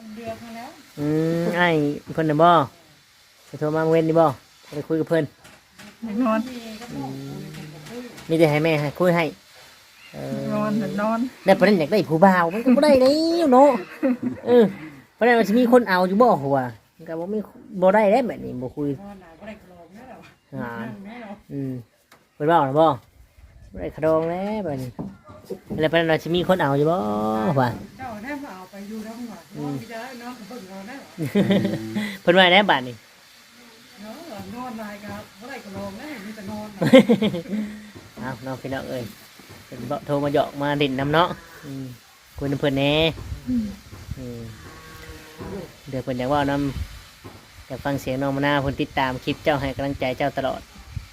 เดือดมาแล้วไอ้เพิ่นน่ะบ่ไปโทรมาเว้นนี่บ่ไปคุยกับเพิ่นนอนมีแต่ให้แม่ให้คุยให้นอนได้ประเด็นอยากได้ผู้บ่าวมันก็บ่ได้แล้วเนาะประเด็นมันสิมีคนเอาอยู่บ่หัวมันก็บ่ได้แล้วแบบนี้บ่คุยเพิ่นเว้าน่ะบ่ได้ขะดองแล้วบัดนี้แล้วประเด็นว่าสิมีคนเอาอยู่บ่ว่าเจ้าแน่มาเอาไปอยู่ทั้งหมดมีได้เนาะเบิ่งเอาได้เพิ่นว่าแน่บัดนี้เนาะนอนได้ครับบ่ได้กระโลงได้มีแต่นอนเอาน้องพี่น้องเอ้ยเป็นโทรมาหยอกมาดิ่นน้ำเนาะคุยน้ำเพื่อนแน่เดี๋ยวเพื่อนอยากว่าน้ำอยากฟังเสียงน้องมาหน้าเพื่อนติดตามคลิปเจ้าให้กำลังใจเจ้าตลอด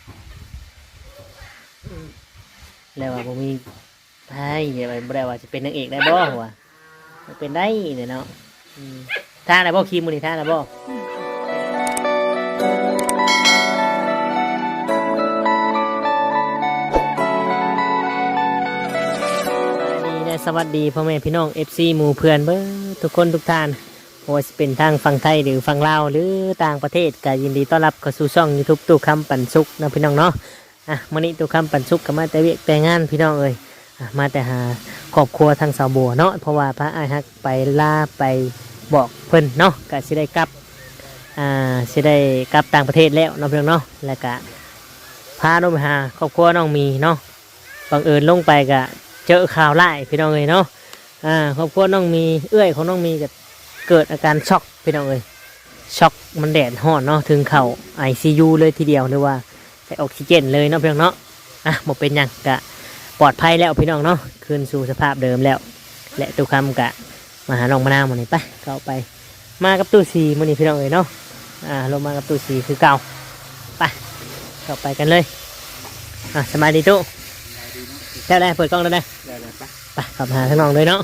แล้วว่าผมมีไพ่อย่าไปบ่ได้ว่าจะเป็นนางเอกได้บ่หัวเป็นได้เนี่ยเนาะท่าอะไรบ่คีมมือนี่ท่าอะไรบ่สวัสดีพ่อแม่พี่น้อง FC หมู่เพื่อนเบ้อทุกคนทุกท่านว่าจะเป็นทางฝั่งไทยหรือฝั่งลาวหรือต่างประเทศก็ยินดีต้อนรับเข้าสู่ช่อง YouTube ตู้คำปันสุกนะพี่น้องเนาะมื้อนี้ตู้คำปันสุกก็มาแต่เวียกแต่งานพี่น้องเอ้ยมาแต่หาครอบครัวทางสาวบัวเนาะเพราะว่าพระอาฮักไปลาไปบอกเพิ่นเนาะก็สิได้กลับต่างประเทศแล้วเนาะพี่น้องเนาะแล้วก็พาน้องไปหาครอบครัวน้องมีเนาะบังเอิญลงไปก็เจอข่าวไล่พี่น้องเลยเนาะครอบครัวน้องมีเอื้อยของน้องมีเกิดอาการช็อกพี่น้องเลยช็อกมันแดดร้อนเนาะถึงเข่า ICU เลยทีเดียวหรือว่าใส่ออกซิเจนเลยเนาะพี่น้องเนาะหมดเป็นยังกะปลอดภัยแล้วพี่น้องเนาะคืนสู่สภาพเดิมแล้วและตู้คำกะมาหาน้องมะนาวมาหน่อยไปเข้าไปมากับตู้ซีมาหน่อยพี่น้องเลยเนาะลงมากับตู้ซีคือเก่าไปเข้าไปกันเลยสบายดีตู้ได้เปิดกล้องแล้วได้ไปขับหาทั้งน้องเลยเนาะ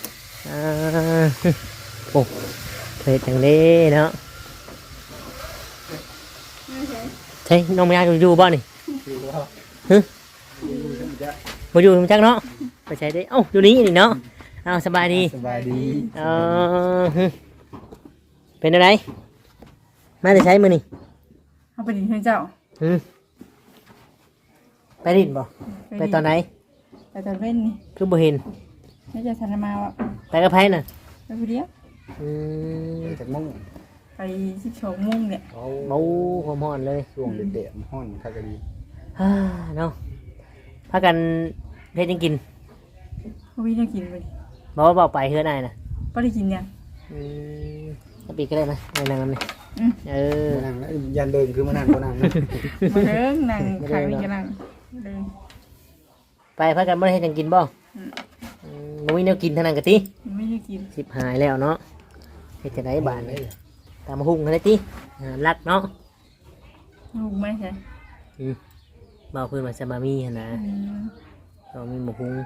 โอ้เพลทอย่างนี้เนาะใช่น้องไม่ยากอยู่บ้านนี่มาอยู่จังเนาะไปใช้ได้อยู่นี่นี่เนาะสบายดีเป็นอะไรมาจะใช้มือนี่เอาไปดินให้เจ้าไปดินบ่ไปตอนไหนไปตอนเว้นนี่คือบ่เห็นไม่จะทันมาวะไปกับไผน่ะไปผู้เดียวจากมุ่งไป12 โมงเนี่ยเมาความร้อนเลยช่วงเด็ดๆห้อนคักดีเนาะพากันเฮ็ดยังกินบ่มีกินไปบอกไปเฮือนายน่ะบ่ได้กินยังปีก็ได้นะนั่งนั่นนี่นั่งแล้วยันเดินคือมานั่งก็นั่งมาเดินนั่งขายนี่ก็นั่งเดินไปพากันบ่ได้เฮ็ดยังกินบ่บ่มีแนวกินทางนั้นกะติไม่ได้กินสิบหายแล้วเนาะเฮ็ดจังได๋บาดนี้ตามหุ่งได้ติรักเนาะหุ่งไหมใช่บ่เพิ่นว่าจะมามีหั่นนะก็มีหมูหุ่ง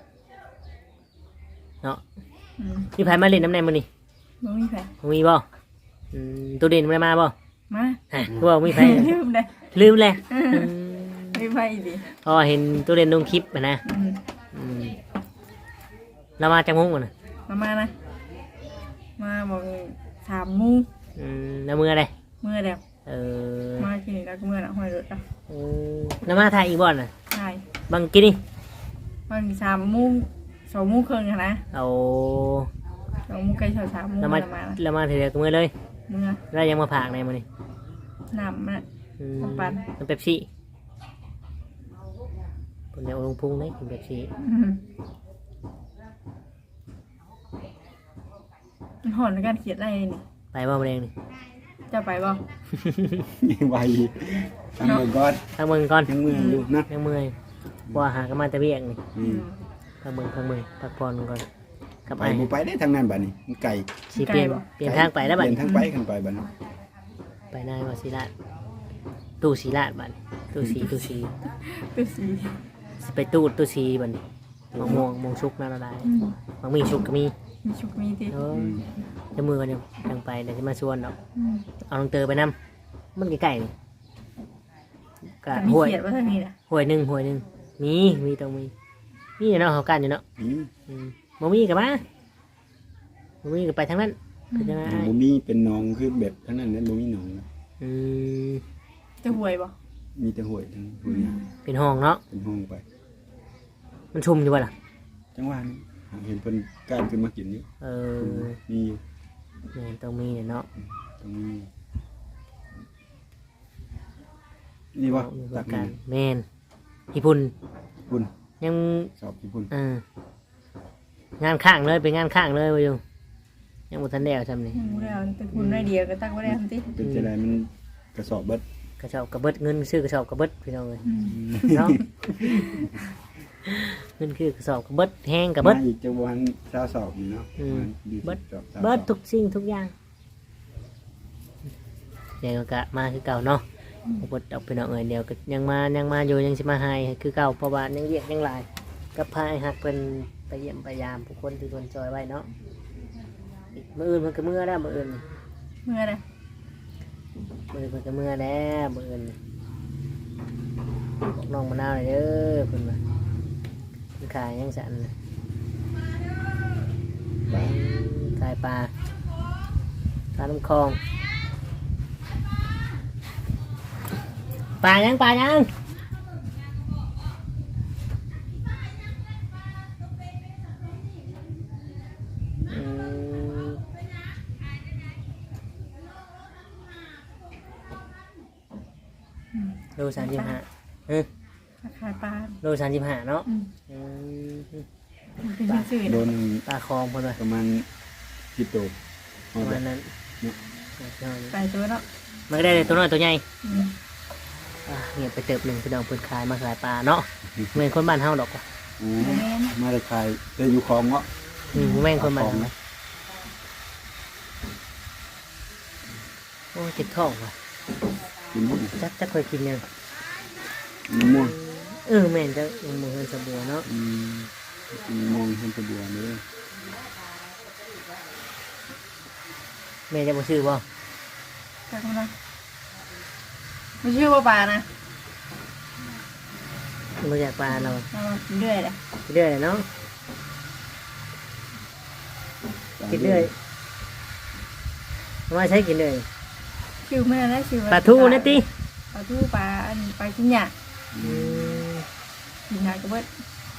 เนาะมีไผมาเล่นน้ำแน่มื้อนี้บ่มีไผบ่มีบ่ตัวเด่นบ่ได้มาบ่มาคือว่ามีไผลืมแล้วมีไผดิเห็นตัวเด่นลงคลิปนะเรามาจากมุ้งก่อนนะมานะมาบอก3 โมงแล้วมืออะไรมือเดียวมากินแล้วก็มือละห้อยรถอ่ะแล้วมาถ่ายอีกบ่อนน่ะใช่บางกินนี่บาง3 โมง 2 โมงครึ่งนะเอา 2 โมงใกล้3 โมงแล้วมาถ่ายกับมือเลยมือแล้วยังมาผากในมันนี่น้ำมันปั่นน้ำเป๊ปซี่คนเดียวลงพุงได้กินเป๊ปซี่หอนในการเขียนอะไรนี่ไปบ่มาเองนี่จะไปบ่ไปทางเมืองก่อนทางเมืองก่อนทางเมืองดูนะทางเมืองว่าหากันมาแต่เวียงนี่ทางเมืองพักผ่อนก่อนกับไอ้ไปได้ทางนั้นบัดนี้ไก่เปลี่ยนทางไปแล้วบัดเปลี่ยนทางไปกันไปบัดนี้ไปนายว่าศิลาตู้ศิลาบัดตู้สีไปตู้สีบัดนี้มองชุกนั่นอะไรบางมีชุกก็มีชุกมีที่จะมือกันยังไปเดี๋ยวจะมาชวนเอาลงเตอไปน้ำมันไก่นี่กะห่วยห่วยหนึ่งมีตรงมีเนาะเขากันอยู่เนาะบ่มีกับมาบ่มีกับไปทางนั้นเป็นยังไงบ่มีเป็นหนองคือแบบทั้งนั้นนั้นบ่มีหนองนะอืมจะห่วยบ่มีแต่ห้วยทั้งห้วยหญ้าเป็นห้องเนาะเป็นห้องไปมันชุ่มอยู่ป่ะล่ะจังหวะนี้เห็นเพิ่นก้านขึ้นมากินอยู่เออมีอยู่แม่นต้องมีเนาะตรงนี้นี่บ่มีตัปกระกักัน นแม่นญี่ปุ่นพุ่นยังสอบญี่ปุ่นงานข้างเลยเป็นงานข้างเลยว่าอยู่ยังบ่ทันได้เอาทำนี่ยังบ่ได้เอาแต่คุณได้เดียวก็ตักบ่ได้ทำติเป็นจังไดมันกระสอบเบิดกระสอบกระเบิดเงินซื้อกระสอบกระเบิดพี่น้องเลยเนาะเงินคือกระสอบกระเบิดแห้งกระเบิดมาอีกจังบ่ทันชาวสอบนี่เนาะอืมดีเบิดสอบเบิดทุกสิ่งทุกอย่างเดี๋ยวก็มาคือเก่าเนาะเบิดออกไปเนาะเดี๋ยวก็ยังมาอยู่ยังสิมาให้คือเก่าเพราะว่ายังเรียกยังหลายกับพายหักเป็นไปเยี่ยมไปยามผู้คนที่คนจอยไว้เนาะอีกมื้ออื่นมันก็มื้อแล้วมื้ออื่นเมื่อใดมื้อเพิ่นก็มื้อแล้วมื้ออื่นบอกน้องมะนาวหน่อยเด้อเพิ่นว่าเพิ่นขายยังสั่นน่ะขายปลาน้ำคลองปลายังอืมโล35 ขายปลาโล35เนาะอืมอืมเป็นซื่อๆโดนะนปลาคลองเพิ่นว่าประมาณ10โตปเอาระแบมาณบนั้นไปตัวเนาะมันก็ได้ตัวน้อยตัวใหญ่อืมเงียบไปเติบหนึ่งพี่น้องเพิ่นขายมาขายปลาเนาะเหมือนคนบ้านเฮาดอกว่ะอ๋อมาได้ขายได้อยู่คลองเนาะแม่งคนบ้านคลองเฮานะโอ้เจ็บท้องว่ะกินบ่จักเคยกินยังมะม่วงแม่นจักมันบ่เฮินสะบัวเนาะกินมะม่วงเพิ่นสะดวกเลยแม่จะบ่ซื้อบ่จักมันนะไม่ชื่อว่าปลานะบ่อยากปลาเราเอามากินเรื่อยเลยกินเรื่อยเนาะกินเรื่อยเอามาใช้กินเรื่อยชื่อไม่ได้ชื่อว่ปลาทูนะติปลาทูปลาอันปลาชิ้นใหญ่อืมชิ้นใหญ่ก็เบิด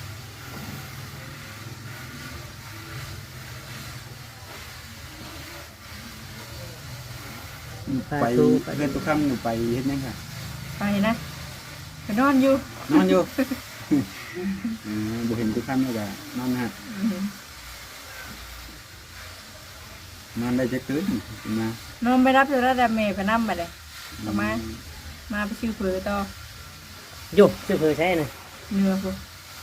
ไปเพื่อนตุกคำหนูไปเฮ็ดหยังค่ะไปนะไปนอนอยู่นอนอยู่ บ่เห็นตุกคำแล้วก็นอนนะฮะอืมนอนได้จะคืนมานอนไปรับจะรับเมย์ไปนั่มไปเลยเอามาไปชื่อเผือต่ออยู่ซื้อเพิ่นใช้น่ะเนื้อพวก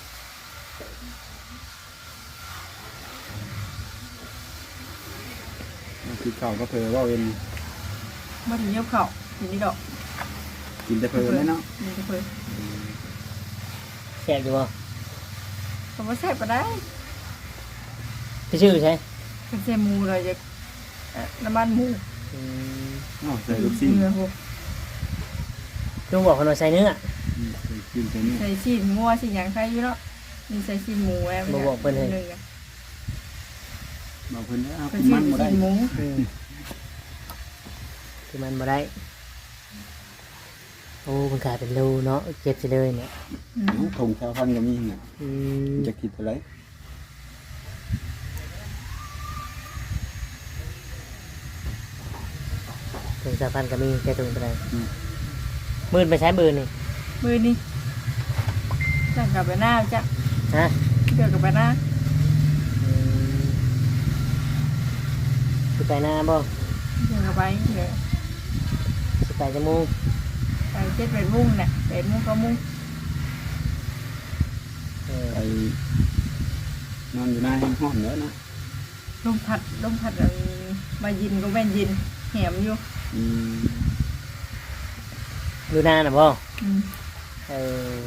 คือข้าวก็เพอว่าเว้นมาถึงเยี่ยมเขาอยู่นี่ดอกกินแต่เพอแล้วเนาะนี่ก็เผือแซ่บอยู่บ่ผมว่าแซ่บไปได้ไปซื้อใช้เป็นเซมูเลยจะน้ำมันหมูอืมอ๋อใส่ลูกชิ้นเนื้อพวกลุงบอกเพิ่นว่าใส่เนื้อใส่กินใส่นี่ใส่ชีสงัวชีสอย่างใครอยู่เนาะมีใส่ชีสหมูแอบบอกเพิ่นให้บอกเพิ่นว่าเป็นกินชีมันบ่ได้สหมูคือมันบ่ได้โอ้มันขายเป็นโลเนาะเก็บสิเลยเนี่ยถงชาวพันธุ์ก็มีเนี่ยอืมจะคิดอะไรถึง3,000ก็มีแค่ถึงเท่าไหร่หมื่นไปใช้หมื่นนี่มือนี่จังกับไปหน้าจ้ะฮะเกี่ยวกับไปหน้าอืมสิไปหน้าบ่เกี่ยวกับไปเดี๋ยวสิไปจมูกไป7-8 มุ่งเนี่ย8 มุ่งก็มุ่งไปนอนอยู่หน้าห้องห้องเด้อเนาะลมพัดมายินก็แม่นยินแหมอยู่อืมดูหน้าน่ะบ่อืมเออ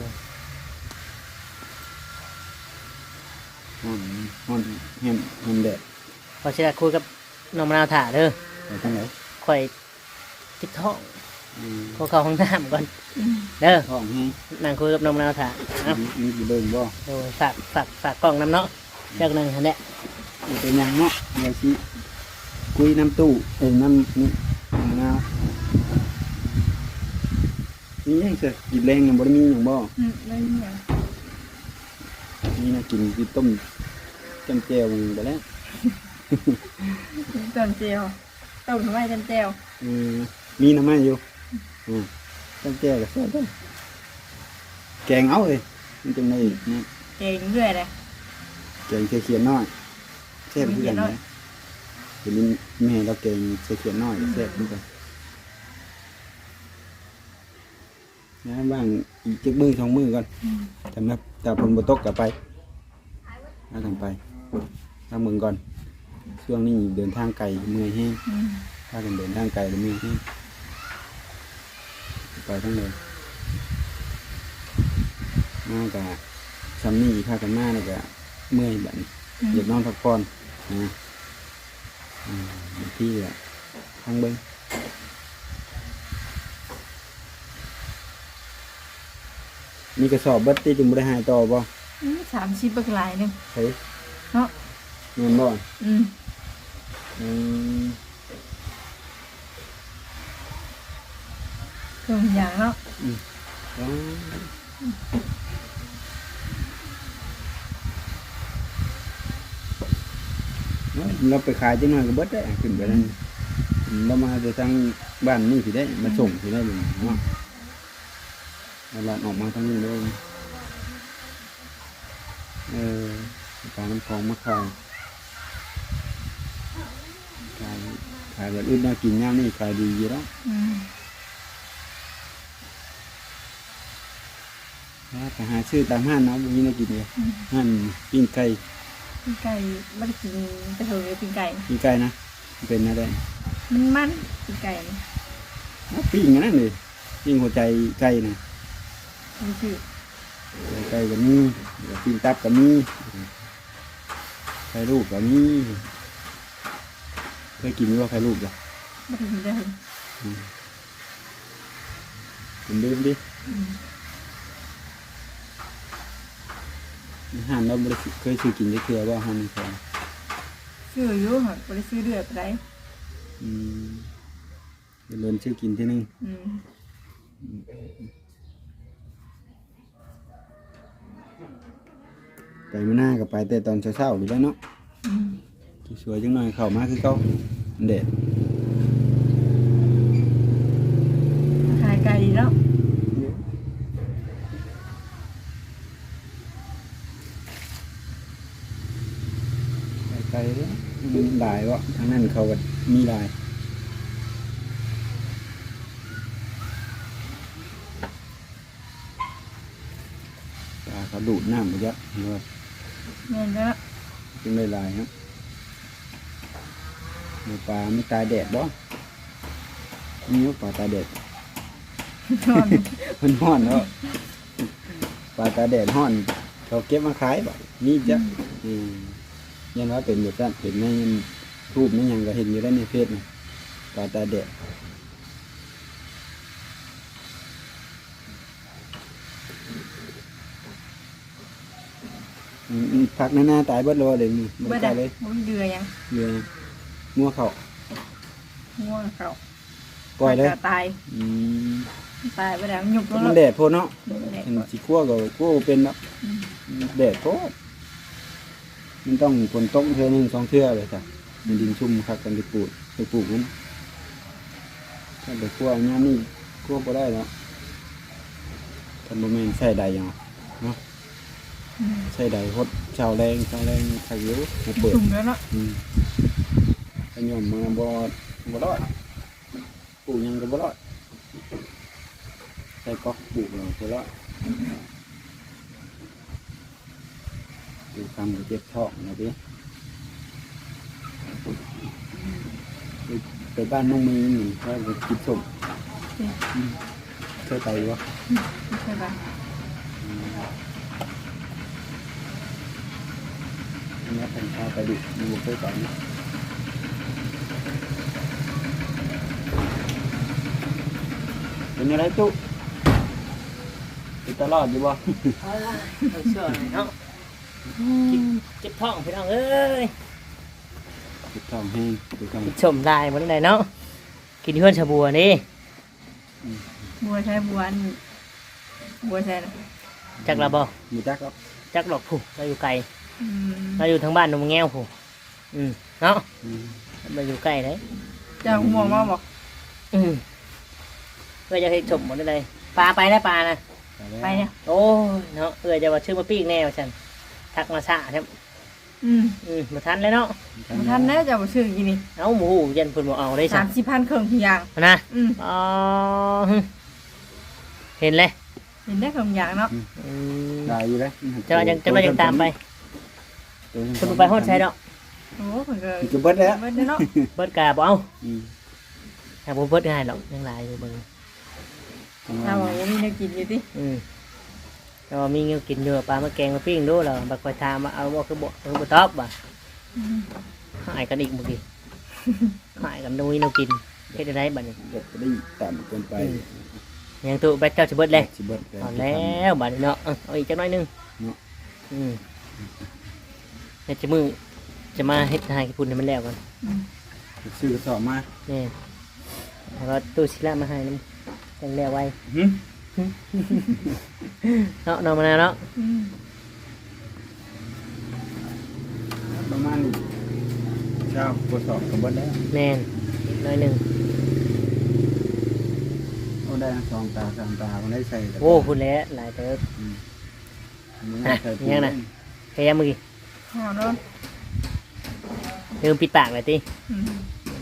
ห้องห้องแฮมแดดพอสิได้คุยกับน้องมะนาวถ่าเด้อไปทางไหนข่อยติดท้องอืมขอเข้าห้องน้ำก่อนเด้อห้องให้นั่งคุยกับน้องมะนาวถ่าเอ้ามีกี่เบิ่งบ่โดยฝากกล้องนำเนาะจากนั้นหั่นแหละมันเป็นหยังเนาะเดี๋ยวสิคุยน้ำตู้น้ำนี่มะนาวนี่ยังจะกินแรงยังบ่ได้มีหยังบ่เลยเนี่ยนี่นะกินต้มจำแจ่วไปแล้วต้มเจียวต้มทำไมต้มเจียวมีน้ำมันอยู่จำแจ่วก็แซ่บเด้อแกงเอาเลยมันจังได๋นะเก่งเรื่อยเลยแกงเขียดน้อยแซ่บคือกันนะเห็นแม่เราแกงเขียดน้อยก็แซ่บคือกันนะว่างอีกจักมื้อสองมื้อก่อนแต่ฝนบ่ตกก็ไปเอาทางไปทางเมืองก่อนช่วงนี้เดินทางไกลเมื่อยแห้งถ้ากันเดินทางไกลแล้วเมื่อยแห้งไปทั้งเลยมากะซัมนี่พากันมาแล้วก็เมื่อยแบบอยากนอนพักผ่อนนะบางทีอะทางเบิ้งมีกระสอบเบัดที่จึงบ่ได้หายต่อบ่ 30เบิกหลายหนึงเฮ้ยเนาะเงินบ่อืมเครื่องอย่างเนาะว้าวเราไปขายจังหน่อยก็เบิดได้ขึ้นไปนั่นเรามาจะทางบ้านนี่สิได้มาส่งสิได้เลยเนาะเราหลานออกมาทางนี้เลยปลาน้ำคลองมะขามขายแบบอื่นน่ากินย่ามนี่ขายดีอยู่แล้วไปหาซื้อตามห้างเนาะวันนี้น่ากินเลยห้างปิ้งไก่ไก่ไม่ได้กินกระเทยปิ้งไก่ปิ้งไก่นะเป็นอะไรมันปิ้งไก่นี่ปิ้งนั่นเลยปิ้งหัวใจไก่นะมีชื่อไก่กับมีปิ้งตับกับมีไข่ลูกกับมีเคยกินว่าไข่ลูกจ้ะไม่ได้กินได้เลยผมดื่มดิห่านเราไม่ได้เคยซื้อกินได้เคยว่าห่านนี่เคยชื่ออยู่ค่ะไม่ได้ชื่อเดือดไปได้เดี๋ยวเริ่มซื้อกินที่นึงไปมาหน้ากับไปแต่ตอนเช้าๆอยู่แล้วเนาะสวยจังหน่อยเข้ามาคือเขาเด็ดขายไก่ดีแล้วไกลเลยมันหลายวะทางนั้นเขาก็มีหลายปลาเขาดูดน้ำไปเยอะเลยเงินแล้วจึงได้หลายครับปลาไม่ตายแดดบ่มีปลาตายแดดนอนมันห้อนแล้วปลาตายแดดห้อนเขาเก็บมาขายบ่นี่จ้ะยันว่าเป็นแบบนั้นเป็นในรูปในยังก็เห็นอยู่แล้วในเฟซปลาตายแดดผักหน้าตายเบิดเลยนี่มันเบิดตาอะยเลยมันเดือยังเรืองัวเขาง่วงเขาปล่อยเลยตายตายไปแล้วหยุบลงมันแล้วแดดโพดเนาะแดดเห็นสีขั้วก็ขั้วเป็นเนาะแดดโพดมันต้องฝนตกเทื่อหนึงสองเทื่อเลยจ้ะมันดินชุ่มคักกันไปปลูกมันถ้าไปขั้วเนี้ยนี่ขั้วก็ได้แล้วทำบะหมี่ใส่ใดยังเนาะใส่ใดฮดชาวแรงขักเยอะมาเปิดตุ่มแล้วเนาะขยมมาบ่รอดปลูกยังก็บ่รอดใส่ก๊อกปลูกเราบ่รอดปลูกคำก็เจ็บท้องนะพี่ไปบ้านน้องมีหนึ่งว่าจะกินส้มเคยไปวะใช่ปะอันนี้เป็นข้าวไปดิมีบุกเคยไปนะเป็นอะไรจุเป็นตลอดอยู่บ่เอาล่ะเอาเชื่อหน่อยเนาะเจ็บท้องพี่น้องเอ้ยติดท้องแห้งติดท้องชมได้บ่ได้เนาะกินที่เพื่อนชาบัวนี่บัวใช้บัวนี่บัวใช้นะจักละบ่มีจักครับจักดอกผู้เราอยู่ไกลอืมเราอยู่ทางบ้านนมแง้วผู้เนาะอืมเราอยู่ใกล้เลยเจ้าห่วงมาบอกเพื่อจะให้ชมหมดเลยปลาไปแล้วปลานะไปเนี่ยโอ้ยเนาะจะว่าชื่อมาปีกแน่ว่าฉันทักมาซะใช่ไหม มาทันเลยเนาะบ่ทันแน่เจ้าบ่ซื้อกินนี่เอาหมูยันเพิ่นบ่เอาได้สั่ 30,000เครื่องทุกอย่างนะอืมอ๋อเห็นเลยเห็นได้เครื่องอย่างเนาะอืมได้อยู่เลยจะว่ายังตามไปเพิ่นบ่ไปฮอดใช้ดอกโอ้เพิ่นก็มันจะเบิดแล้วเบิดเนาะเบิดกาบ่เอาอืมถ้าบ่เบิดง่ายดอกยังหลายอยู่เบิ่งถ้าว่าบ่มีแนวกินอยู่ติแต่ว่ามีเงี้ยกินอยู่ปลามาแกงมาปิ้งดูแล้วบักคอยทามาเอาบ่คือบ่ตอบบ่อืมหายกันอีกเมื่อกี้หายกันดูนี่เรากินเฮ็ดได้บัดนี้เบิดก็ได้ต่ำเกินไปยังตุไปเจ้าสิเบิดเลยสิเบิดเอาแล้วบัดนี้เนาะเอาอีกจักหน่อยหนึงเดี๋ยวจะมือจะมาเฮ็ดให้ญี่ปุ่นให้มันแล้วกันซื้อกระสอบมานี่แล้วก็ตู้ศิลามาให้นำจังแล้วไว้หึเนาะมานาวเนาะอืมประมาณเช้ากระสอบก็เบิดแล้วแน่นอีกหน่อยหนึงเอาได้สองตาสามตามันได้ใส่แต่โอ้พุ่นแล้วหลายเติบอันนี้ไม่ใส่ถุงยังน่ะ แค่เมื่อกี้หอมเนาะลืมปิดปากเลยติอืม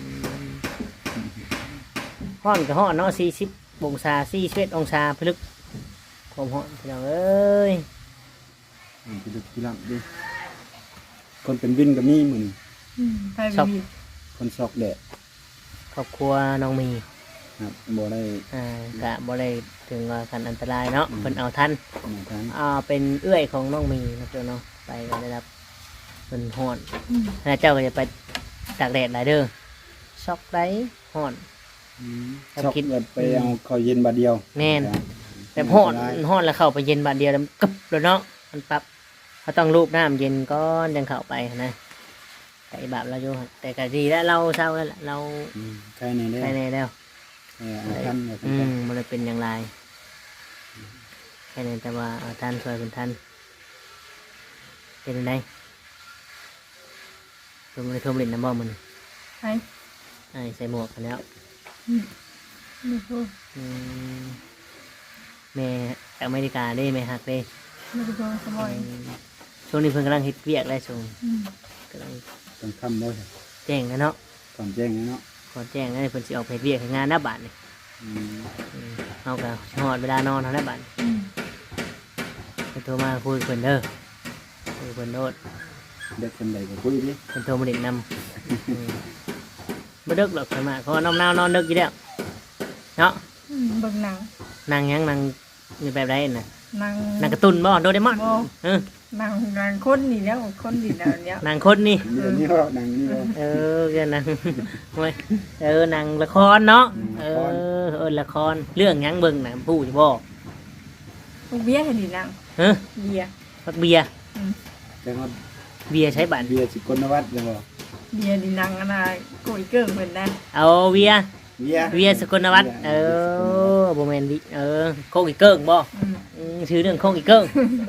ฮ้อนก็ฮ้อนเนาะ40องศา41องศาพลึกความฮ้อนพี่น้องเอ้ยมันจะดึกทีหลังดิคนเป็นวินก็มีเหมือนอืมไปบ่มีคนซอกแดดครอบครัวน้องมีครับบ่ได้กะบ่ได้ถึงว่าคันอันตรายเนาะเพิ่นเอาทันมาทานเป็นเอื้อยของน้องมีนะเจ้าเนาะไปก็ได้รับเพิ่นฮ้อนอืมแล้วเจ้าก็จะไปตากแดดหลายเด้อช็อกได้ฮ้อนซอกแบบไปเอาข้าวเย็นบาทเดียวแม่น แบบฮ้อนฮ้อนแล้วเข้าไปเย็นบาดเดียวแล้วกึบแล้วเนาะมันปรับเขาต้องรูปน้ำเย็นก่อนจังเข้าไปนะแต่อีบาปเราอยู่หั่นแต่ก็ดีแล้วเราเศร้าแล้วล่ะเราใครในเด้ไปในแล้วเอาทันเอาทันมันเลยเป็นอย่างไรแค่นั้นแต่ว่าเอาท่านช่วยเป็นท่านเป็นยังไงเพิ่มเลยเพิ่มลิ้นน้ำบ่มันไปใส่หมวกกันแล้วนี่พูดอืมแม่จากอเมริกาได้แม่หักได้ไม่ได้พูดสบายช่วงนี้เพิ่งกำลังเฮ็ดเวียกได้ช่วงอืมกำลังต้องคำบ่ใช่แจ้งนะเนาะก่อนแจ้งนะเนาะขอแจ้งให้เพิ่นสิออกไปเฮ็ดเวียกให้งานหน้าบ้านนี่อืมเอาก็ฮอดเวลานอนเท่านั้นบ้านอืมเพิ่นโทรมาคุยกับเพิ่นเด้อคุยกับเพิ่นโนดเด็กคนใดก็คุยดิเพิ่นโทรมาเล่นนำบ่ดึกหรอกสมาเพราะว่าน้องนาวนอนดึกอยู่แล้วเนาะอืมเบิ่งหนังนางยังนางมีแบบไรน่ะนางนางการ์ตูนบ่โดเรมอนบ่เออนางคนนี่แล้วคนนี่แล้วเนี่ยนางคนนี่เดี๋ยวนี้ก็หนังนี่ก็เดี๋ยวนางโอ้ยนางละครเนาะ ละครเรื่องหยังเบิ่งน่ะผู้สิบ่ลูกเบี้ยเห็นนี่นางเฮ้อเบี้ยพักเบียร์แต่ว่าเบียร์ใช้บัตรเบียร์สิกลนวัฒน์เลยบ่เบี้ยนี่นางอันน่ะโกยเกิ้งเพิ่นนะเอาเบียร์เบียร์เบียร์สกลนวัฒน์บ่แม่นดิโคกอีเกิ้งบ่อืมชื่อเรื่องโคกอีเกิ้ง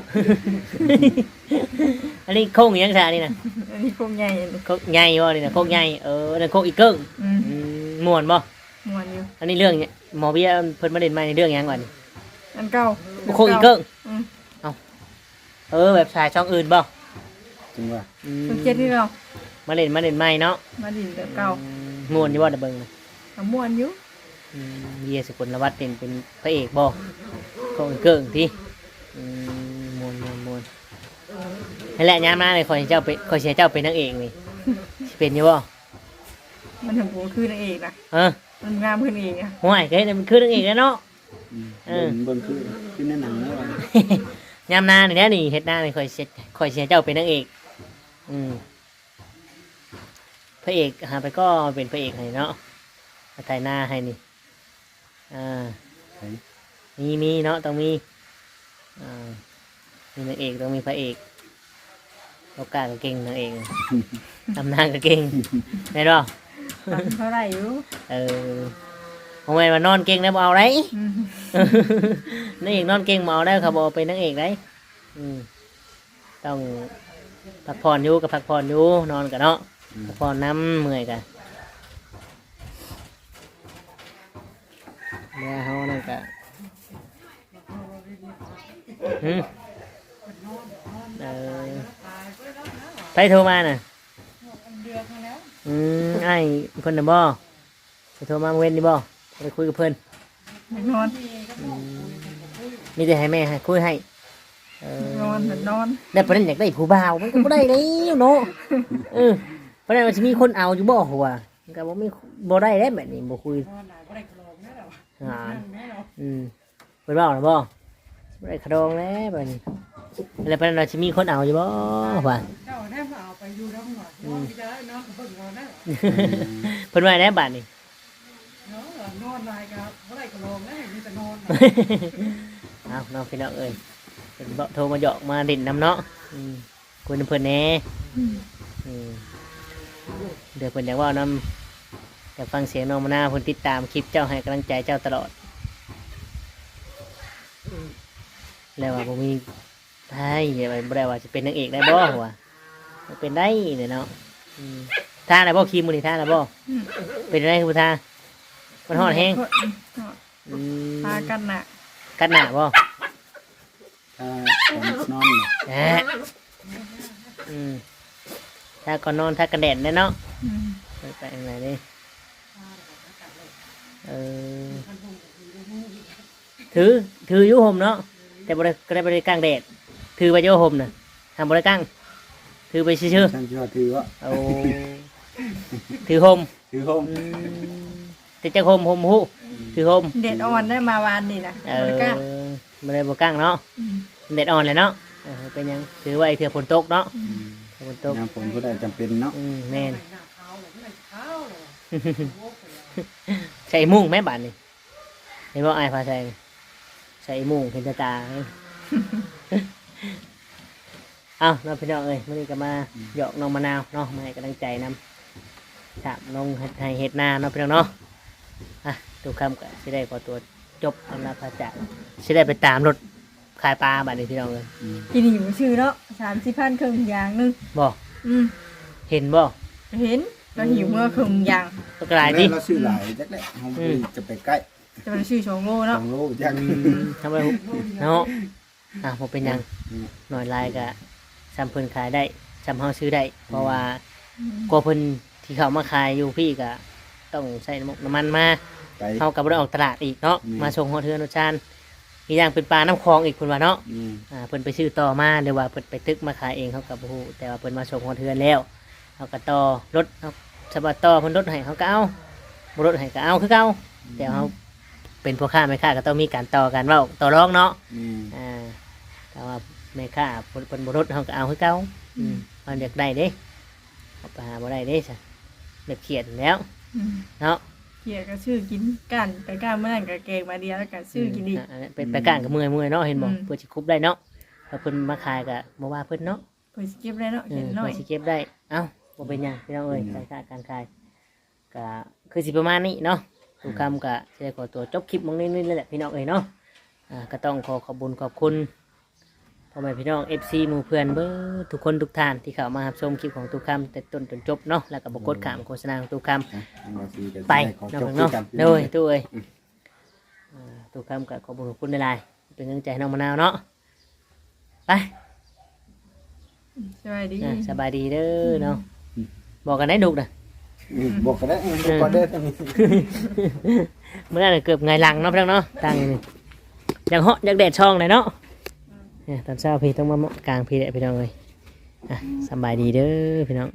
อันนี้โคกอีหยังซะนี่น่ะอันนี้พวกใหญ่อันนี้โคกใหญ่บ่นี่น่ะโคกใหญ่นั่นโคกอีเกิ้งอืมม่วนบ่ม่วนอยู่อันนี้เรื่องเนี่ยหมอเบียร์เพิ่นมาเล่นใหม่ในเรื่องหยังก่อนนี่อันเก่าโคกอีเกิ้งอืมแบบชายช่องอื่นบ่จริงว่าเพิ่นเจ็ดที่เรามาเล่นใหม่เนาะมาดินแต่เก่าม่วนอยู่บ่ตะเบิงก็ม่วนอยู่เบียร์สกลวัฒน์เป็นพระเอกบ่โคกอีเกิ้งที่ม่วนนั่นแหละยามหน้าเลยขอให้เจ้าเป็นขอให้เจ้าเป็นนางเอกนี่สิเป็นอยู่บ่มันถึงกูคือนางเอกนะเออมันงามขึ้นเองอ่ะห่วยเฮ้ยมันคือนางเอกแล้วเนาะเบิ่งคือในหนังแล้วยามหน้านี่แหละนี่เฮ็ดหน้านี่ขอให้เจ้าเป็นนางเอกพระเอกหาไปก็เป็นพระเอกให้เนาะมาถ่ายหน้าให้นี่มีเนาะต้องมีมีนางเอกต้องมีพระเอกเรากล้าก็เก่งนั่นเองทำนางก็เก่งได้หรอฟังเท่าไหร่อยู่โมเมนว่านอนเก่งได้บ่เอาได้อืมนางเอกนอนเก่งบ่เอาได้เขาบอกเป็นนางเอกได้ต้องพักผ่อนอยู่กับพักผ่อนอยู่นอนกันเนาะพักผ่อนน้ำเมื่อยกันเดี๋ยวเขานั่นกะเออไปโทรมาน่ะเดือนมาแล้วไอ้เพิ่นน่ะบ่ไปโทรมาเว้นดิบ่ไปคุยกับเพิ่นอยากนอนมีแต่ให้แม่ให้คุยให้นอนนอนแต่ประเด็นอยากได้ผู้บ่าวมันก็บ่ได้แล้วเนาะประเด็นว่าสิมีคนเอาอยู่บ่หัวมันก็บ่มีบ่ได้แล้วแบบนี้บ่คุยนอนหลายบ่ได้กระโลงแน่หรออ่าแน่หรอเพิ่นเว้าน่ะบ่บ่ได้ขะดองแล้วแบบนี้แล้วประเด็นว่าสิมีคนเอาอยู่บ่ว่าเจ้าแน่มาเอาไปอยู่แล้วหน่อยนอนที่ได้นอนกับเบิ่งนอนแน่เพิ่นว่าแน่บัดนี้เนาะนอนหลายครับบ่ได้กระโลงแน่มีแต่นอนเอาน้องพี่น้องเอ้ยเพิ่นบ่โทรมาหยอกมาเด่นน้ำเนาะคุยนำเพิ่นแหน่เดี๋ยวเพิ่นอยากเว้านำอยากฟังเสียงน้องมะนาวเพิ่นติดตามคลิปเจ้าให้กำลังใจเจ้าตลอดแล้วว่าบ่มีไอ้อย่าไปบ่ได้ว่าจะเป็นนางเอกได้บ่หัวบ่เป็นได้เนี่ยเนาะท่าได้บ่ครีมมื้อนี้ท่าได้บ่เป็นได้คือบ่ท่ามันฮ้อนแฮงพากันน่ะกัดหน้าบ่นอนน่ะถ้าก่อนนอนถ้ากันแดดเนาะอืมไปไหนนี่ถืออยุห่มเนาะแต่บริก็ได้บริกลางแดดถือไปอยุห่มน่ะทำบริกลางถือไปชื่อฉันชอบถือว่าๆเอาถือห่มถือโฮมแต่จะห่มหูถือห่มเด็ดอ่อนได้มาวานนี่นะบริกลางเนาะอืมแดดอ่อนเลยเนาะเป็นยังถือไว้เถื่อฝนตกเนาะฝนตกยามฝนก็ได้จำเป็นเนาะแม่นหน้าขาวเลยไม่ขาวเลยใส่มุ้งแม่บ้านนี่เห็นว่าไอ้พาใส่มุ้งเห็นตาเอาน้องพี่น้องเอ้ยมื่อนี้ก็มาหยอกน้องมะนาวเนาะมาให้กำลังใจนำถามน้องให้เห็ดหน้าน้องพี่น้องเนาะทุกคำก็สิได้ขอตัวจบอำนาจพระจักรสิได้ไปตามรถขายปลาบ้านนี้พี่น้องเลยกินหิวชื่อเนาะ30,000ครึ่งอย่างนึงบอกอืมเห็นบ่เห็นเราหิวเมื่อครึ่งอย่างก็กลายที่เราซื้อหลายจักแหละเฮาจะไปใกล้จะเป็นชื่อ2 โลเนาะ 2 โลจักทำไมเนาะผมเป็นหยังหน่อยลายก็ซ้ำเพิ่นขายได้ซ้ำเฮาซื้อได้เพราะว่ากลัวเพิ่นที่เขามาขายอยู่พี่ก็ต้องใส่น้ำมันมาไปเฮากับบ่ได้ออกตลาดอีกเนาะมาส่งฮอดเทือนรสชาติอีกอย่างเป็นปลาน้ำคลองอีกเพิ่นว่าเนาะเพิ่นไปซื้อต่อมาหรือว่าเพิ่นไปตึกมาขายเองเขากับผู้แต่ว่าเพิ่นมาส่งฮอดเทือนแล้วเขาก็ต่อรถเขาสบัดต่อเพิ่นรถให้เขาก็เอาบ่รถให้ก็เอาคือเก่าแต่เขาเป็นพ่อค้าแม่ค้าก็ต้องมีการต่อกันเว้าต่อรองเนาะแต่ว่าแม่ค้าเพิ่นบ่รถเขาก็เอาคือเก่ามันอยากได้เด้เอาไปหาบ่ได้เด้ซะเด็กเขียนแล้วอืมเนาะเกี่ยก็ชื่อกินกันไปก้านเมื่อนั้นก็แกงมาเดียวแล้วก็ชื่อกินอีกเป็นไปก้านกับเมื่อยเนาะเห็นบ่อืมเพื่อสิคุบได้เนาะแล้วเพิ่นมาขายก็บ่ว่าเพิ่นเนาะเพิ่นสิเก็บได้เนาะเห็นหน่อยเพื่อสิเก็บได้เอ้าบ่เป็นหยังพี่น้องเอ้ยการค้าการขายก็คือสิประมาณนี้เนาะทุกคำก็สิได้ขอตัวจบคลิปมองนี้ๆแหละพี่น้องเอ้ยเนาะก็ต้องขอบคุญขอบคุณพ่อแม่พี่น้อง FC หมู่เพื่อนเบิดทุกคนทุกท่านที่เข้ามารับชมคลิปของทุกคำแต่ต้นจนจบเนาะแล้วก็บ่กดข้ามโฆษณาของทุกคำ ไปเนาะเนาะโดยตู้เอ้ยตู้คำกับขอบคุณในไลน์เป็นกำลังใจให้น้องมะนาวเนาะไปสวัสดีสบายดีเด้อเนาะบอกกันได้ดุกนะบอกกันได้บอกกันได้ทั้งนี้เมื่อไหร่เกือบไงหลังเนาะพี่น้องเนาะทางนี้อย่างเหาะอย่างแดดช่องเลยเนาะตอนเช้าพี่ต้องมากลางพี่แหละพี่น้องเลยสบายดีเด้อพี่น้อง